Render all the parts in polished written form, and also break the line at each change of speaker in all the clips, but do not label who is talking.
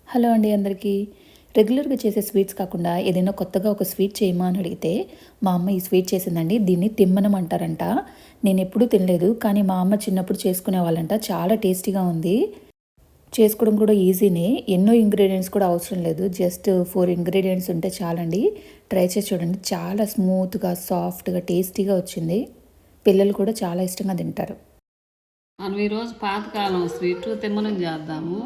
Hello అండి అందరికీ. రెగ్యులర్గా చేసే స్వీట్స్ కాకుండా ఏదైనా కొత్తగా ఒక స్వీట్ చేయమా అని అడిగితే మా అమ్మ ఈ స్వీట్ చేసిందండి. దీన్ని తిమ్మనం అంటారంట. నేను ఎప్పుడూ తినలేదు, కానీ మా అమ్మ చిన్నప్పుడు చేసుకునే వాళ్ళంట. చాలా టేస్టీగా ఉంది. చేసుకోవడం కూడా ఈజీనే. ఎన్నో ఇంగ్రీడియంట్స్ కూడా అవసరం లేదు. జస్ట్ 4 ఇంగ్రీడియంట్స్ ఉంటే చాలండి. ట్రై చేసి చూడండి. చాలా స్మూత్గా, సాఫ్ట్గా, టేస్టీగా వచ్చింది. పిల్లలు కూడా చాలా ఇష్టంగా తింటారు.
మనం ఈరోజు పాతకాలం స్వీట్ తిమ్మనం చేద్దాము.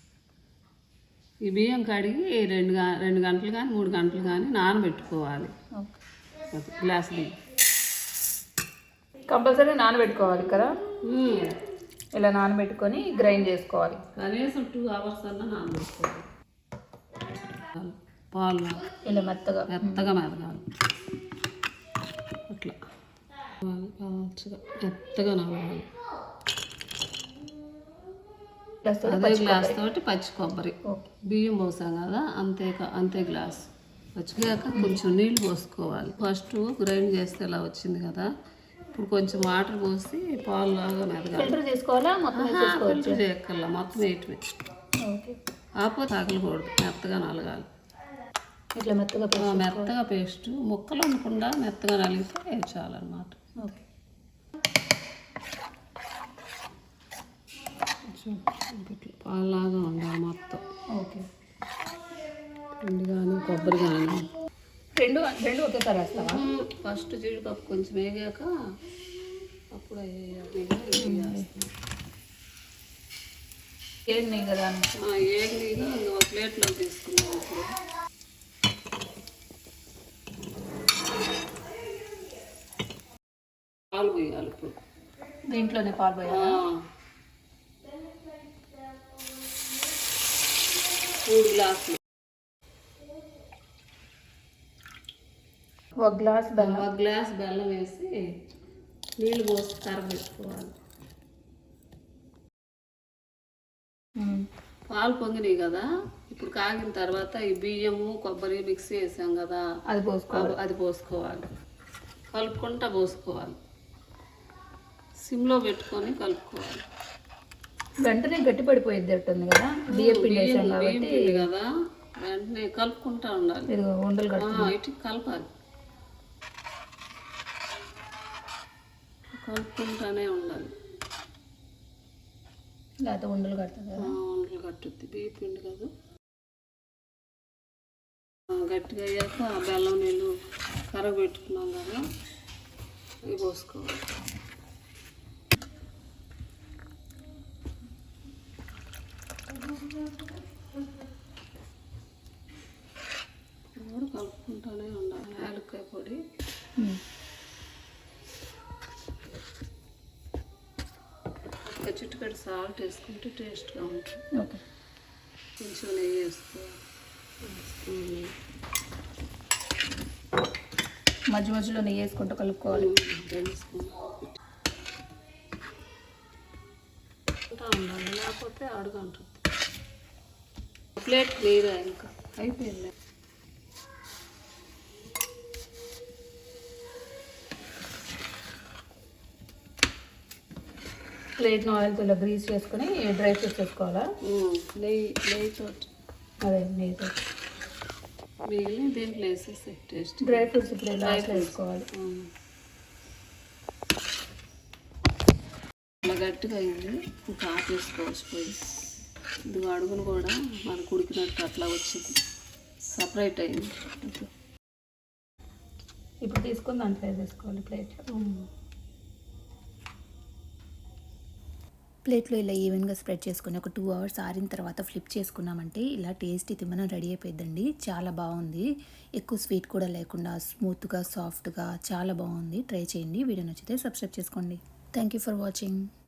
ఈ బియ్యం కడిగి 2 గంటలు కానీ 3 గంటలు కానీ నానబెట్టుకోవాలి. గ్లాస్ బియ్యం
కంపల్సరీ నానబెట్టుకోవాలి కదా. ఇలా నానబెట్టుకొని గ్రైండ్ చేసుకోవాలి.
కనీసం 2 అవర్స్ అన్నా నానబెట్టుకోవాలి. పాలు
ఇలా మెత్తగా
మెదగాలి. అట్లా మెత్తగా నానగాలి. అదే గ్లాస్ తోటి పచ్చి కొబ్బరి, బియ్యం పోసాం కదా, అంతే గ్లాస్. పచ్చిగాక కొంచెం నీళ్ళు పోసుకోవాలి. ఫస్ట్ గ్రైండ్ చేస్తే ఇలా వచ్చింది కదా, ఇప్పుడు కొంచెం వాటర్ పోసి పాలు లాగా మెదగాలి.
ఫిల్టర్ చేసుకోవాలా?
ఫిల్టర్ చేయక్కర్లా, మొత్తం వేయటమే. కాకపోతే తగలకూడదు, మెత్తగా నలగాలి.
ఇట్లా
మెత్తగా పేస్ట్ ముక్కలు ఉండకుండా మెత్తగా నలిగితే చాలన్నమాట. పాలాగా ఉండాలి మొత్తం. పిండి కానీ కొబ్బరి కానీ
రెండు ఒకేసారి వేస్తావా?
ఫస్ట్ జీడిపప్పు కొంచెం వేగాక అప్పుడు
ఏగినాయి కదా,
ఏగినాయిగా ఒక ప్లేట్లో తీసుకున్నాం. అప్పుడు పాలు పోయాలి. ఇప్పుడు
దీంట్లోనే పాలు పోయాలి.
3 గ్లాసులు.
1 గ్లాస్ బెల్లం.
1 గ్లాస్ బెల్లం వేసి నీళ్ళు పోసి కరగబెట్టుకోవాలి. పాలు పొంగినాయి కదా, ఇప్పుడు కాగిన తర్వాత ఈ బియ్యము కొబ్బరి మిక్సీ వేసాం కదా, అది పోసుకోవాలి. కలుపుకుంటా పోసుకోవాలి. సిమ్లో పెట్టుకొని కలుపుకోవాలి.
వెంటనే గట్టి పడిపోయేది ఉంటుంది కదా, బియ్యం పిండి
కదా, వెంటనే కలుపుకుంటా ఉండాలి.
ఉండలు
ఇటు కలపాలి, కలుపుకుంటానే ఉండాలి.
లేకపోతే ఉండలు కడుతుంది.
ఉండలు కట్టుద్ది, బియ్య పిండి కదా. గట్టిగా అయ్యాక బెల్లం నీళ్ళు కరగబెట్టుకున్నాం కదా, ఇవి పోసుకోవాలి. కలుపుకుంటూనే ఉండాలి. యాలక్కాయ పొడి, ఒక చిటికెడు సాల్ట్ వేసుకుంటే టేస్ట్గా ఉంటుంది. కొంచెం నెయ్యి వేసుకోవాలి.
మధ్య మధ్యలో నెయ్యి వేసుకుంటూ కలుపుకోవాలి.
ఉండాలి, లేకపోతే అడుగు ఉంటుంది. ప్లేట్ క్లియర్ ఇంకా అయిపోయింది.
ప్లేట్ను ఆయిల్తో ఇలా గ్రీస్ చేసుకుని డ్రై ఫ్రూట్స్ వేసుకోవాలా?
నెయ్యితో,
అదే నెయ్యితో
మిగిలిన దీంట్లో వేసేసి టేస్ట్.
డ్రై ఫ్రూట్స్ ఇప్పుడు లాస్ట్లో వేసుకోవాలి.
అలా గట్టిగా అయింది, ఇంకా ఆపేసుకోవచ్చు. పోయి ఇది అడుగును కూడా మనకు ఉడికినట్టు అట్లా వచ్చింది, సపరేట్ అయింది.
ఇప్పుడు తీసుకొని దాంట్లో వేసుకోవాలి ప్లేట్లో ఇలా ఈవెన్గా స్ప్రెడ్ చేసుకుని ఒక 2 అవర్స్ ఆరిన తర్వాత ఫ్లిప్ చేసుకున్నామంటే ఇలా టేస్టీ తిమ్మనం రెడీ అయిపోయిందండి. చాలా బాగుంది. ఎక్కువ స్వీట్ కూడా లేకుండా స్మూత్గా, సాఫ్ట్గా చాలా బాగుంది. ట్రై చేయండి. వీడియో నచ్చితే సబ్స్క్రైబ్ చేసుకోండి. Thank you for watching.